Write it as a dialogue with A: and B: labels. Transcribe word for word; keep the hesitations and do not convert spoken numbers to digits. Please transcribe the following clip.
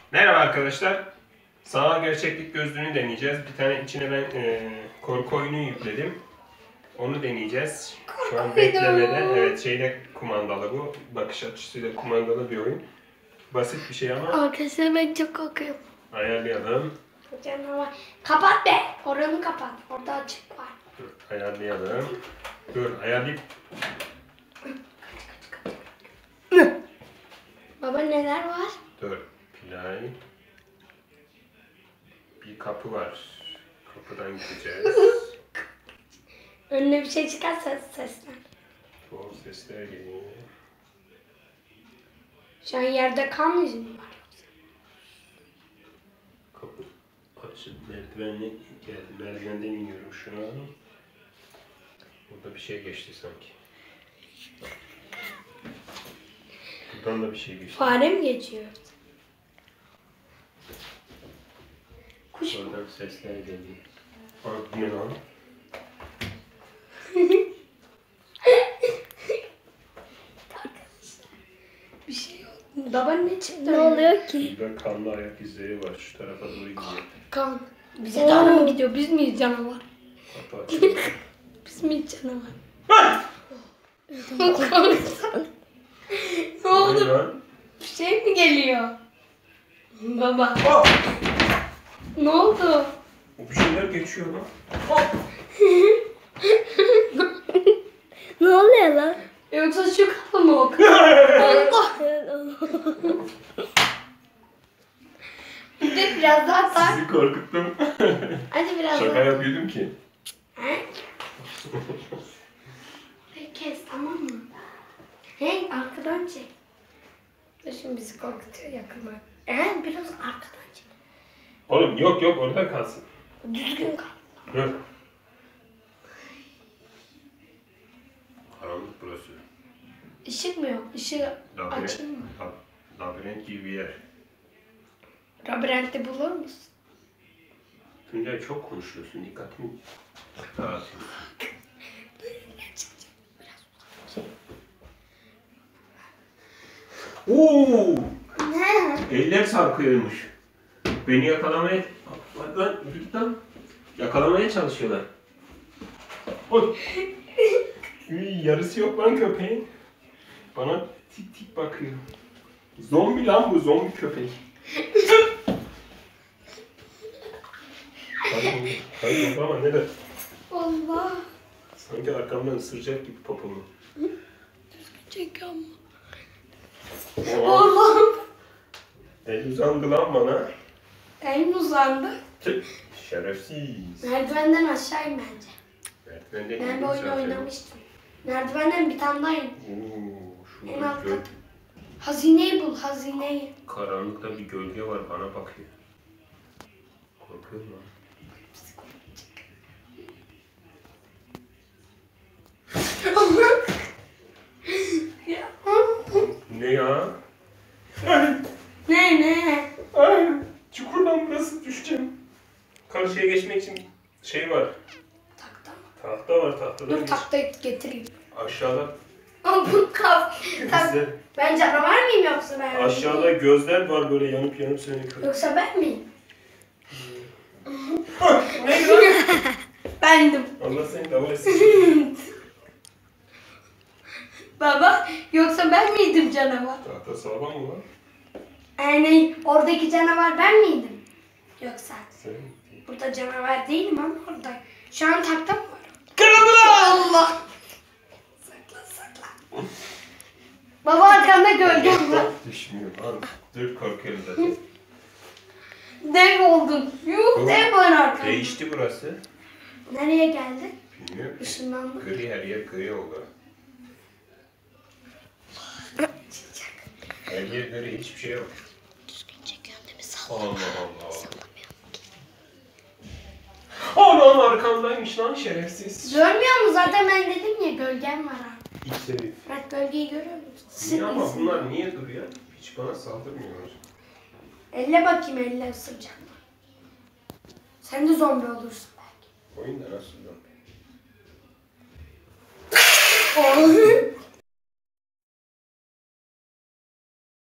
A: Merhaba arkadaşlar. Sanal gerçeklik gözlüğünü deneyeceğiz. Bir tane içine ben e, korku oyunu yükledim. Onu deneyeceğiz. Şu an beklemede. Evet, şeyle kumandalı bu. Bakış açısıyla kumandalı bir oyun. Basit bir şey ama.
B: Arkadaşlar ben çok korkuyorum.
A: Ayarlayalım.
B: Canavar. Kapat be. Oranı kapat. Orada açık var.
A: Dur, ayarlayalım. Dur, ayarlayıp.
B: Baba neler var?
A: Dur, play. Bir kapı var. Kapıdan gideceğiz.
B: Önüne bir şey çıkarsa seslen.
A: Tuhaf sesler geliyor.
B: Şu an yerde kan yüzü mü var?
A: Kapı açıp merdivenle geldim. Merdivenden iniyorum şu an. Burada bir şey geçti sanki. Buradan da bir şey geçti.
B: Fare mi geçiyor? Kuş mu?
A: Oradan sesler geliyor. Aa, bu ne lan?
B: Bir şey yok. Baba ne çıktı?
C: Ne oluyor ki?
A: Burada kanlı ayak izleri var. Şu tarafa doğru gidiyor.
B: Kan. Bize doğru mu gidiyor? Biz miyiz canavar?
A: Kapı açılıyor.
B: Biz miyiz canavar? Ne oldu?
A: lan?
B: Bir şey mi geliyor? Baba.
A: Oh!
B: Ne oldu?
A: Bir şeyler geçiyor lan.
C: Ne oluyor lan?
B: Yoksa şu kafa mı o? Allah. Bir de biraz daha tak.
A: Sizi korkuttum.
B: Hadi biraz
A: Şaka
B: daha.
A: yapıyordum ki.
B: Peki kes tamam mı? Hey arkadan çek. Dur şimdi bizi korkutuyor yakınlar. Ee biraz arkadan çek.
A: Oğlum yok yok orada kalsın.
B: Düzgün kal.
A: Dur. Karanlık burası.
B: Işık mı yok? Işığı
A: Labirent,
B: açayım mı?
A: lab- labirent gibi bir yer.
B: Labirentte bulur musun?
A: Tuncay çok konuşuyorsun. Dikkatimi dağıtın. Oo!
B: Ne?
A: Eller sarkıyormuş. Beni yakalamaya... Bak lan, git lan. Yakalamaya çalışıyorlar. Oy! Üy, yarısı yok lan köpeğin. Bana tik tik bakıyor. Zombi lan bu, zombi köpek. Hayır, hayır ama neden?
B: Allah.
A: Sanki arkamdan ısıracak gibi popomu.
B: Çekiyor mu?
A: Oo,
B: Allah'ım.
A: el uzandı lan bana.
B: Elim uzandı.
A: Tüh, şerefsiz.
B: Merdivenden aşağı in bence.
A: Merdivende
B: Ben
A: indim
B: bir oyun
A: zaten.
B: oynamıştım. Merdivenden bir tane daha in.
A: Oo,
B: En
A: şurada
B: alt
A: gö-
B: kat. Hazineyi bul, hazineyi.
A: karanlıkta bir gölge var bana bakıyor. Korkuyorum lan.
B: Ya.
A: Ne ya?
B: Ne ne?
A: Ay, çukurdan burası düşeceğim. Karşıya geçmek için şey var.
B: Takta mı?
A: Tahta var, tahtadan
B: Dur
A: geç.
B: taktayı getireyim.
A: Aşağıda
B: Ama bu kaf. Tak.
A: gözler.
B: Ben canavar mıyım yoksa ben?
A: Aşağıda gözler var böyle yanıp yanıp seni kır.
B: Yoksa ben miyim?
A: Ne lan?
B: Bendim.
A: Allah seni davul etsin.
B: Baba yoksa ben miydim canavar?
A: Tahta sağlam mı lan?
B: Yani oradaki canavar ben miydim? Yoksa
A: Sen
B: burada canavar değilim ama orada. Şu an takta mı var?
A: kırıldı
B: Allah! Sakla sakla. Baba arkanda gölgem var.
A: Düşmüyor lan. Dur korkuyorum zaten.
B: Dev oldum. Yuh dev var arkamda.
A: Değişti burası.
B: Nereye geldi?
A: Bilmiyorum.
B: Işınlanma.
A: Gri her yer gri oldu. Her yer gri hiçbir şey yok.
B: Düzgün çekiyorum değil mi?
A: Allah Allah. Anam arkamdaymış lan şerefsiz.
B: Görmüyor musun? Zaten ben dedim ya gölgem var abi.
A: İç herif.
B: Bak gölgeyi görüyor musun?
A: Niye ama
B: Sıkıntı.
A: bunlar niye duruyor? Hiç bana saldırmıyorlar.
B: Elle bakayım elle ısıracak mı? Sen de zombi olursun belki.
A: Oyunda nasıl lan?
B: Oh.